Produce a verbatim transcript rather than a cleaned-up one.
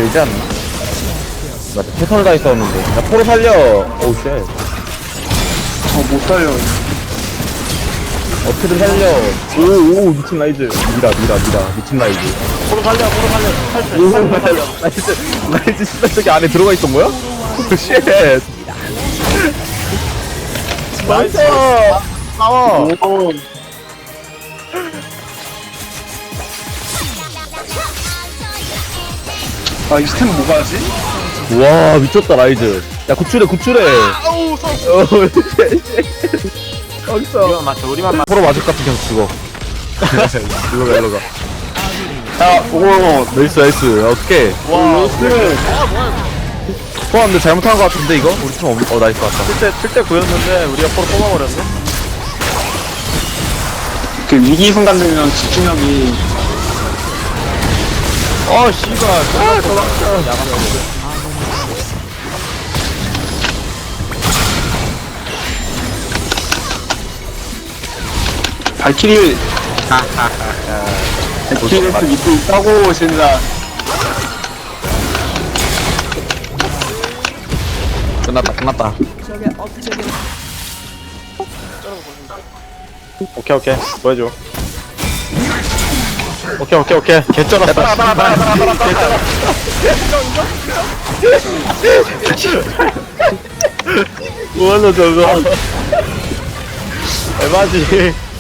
되지 않나? 나 최선을 다했었는데. 야, 포로 살려! 오우, 쉣. 저못 살려. 어떻게든 살려. 오, 오, 미친 라이즈. 미라, 미라, 미라. 미친 라이즈. 포로 살려 포로 살려 탈출 오, 탈출 살려 라이즈, 라이즈 씨발 저기 안에 들어가 있던 거야? 오, 쉣. 멈춰! 싸워! 오. 아, 이 스템 뭐가 하지? 와, 미쳤다, 라이즈. 야, 구출해, 구출해. 아우 서 어, 쉣, 쉣. 어딨어? 우리만 맞춰 우리만 맞춰 포로 맞을 것 같은 계속 죽어. 일로 가, 일로 가. 야, 오. 나이스, 나이스. 어떡해. 와 스템. 아 뭐야 포함 근데 잘못한 것 같은데, 이거? 우리 팀, 없... 어, 나이스, 왔다. 칠대 칠대 구였는데 우리가 포로 뽑아버렸네 그 위기 순간 되면 집중력이. 어 씨발 아 도망쳐 야간 발키리. 발키리를 또 믿고 있다고, 진짜. 끝났다, 끝났다. 오케이 오케이 보여줘 오케이 오케이 오케이 개쩔었어 따라 따라 따라 따라 따라 뭐하노, 저거. 에바지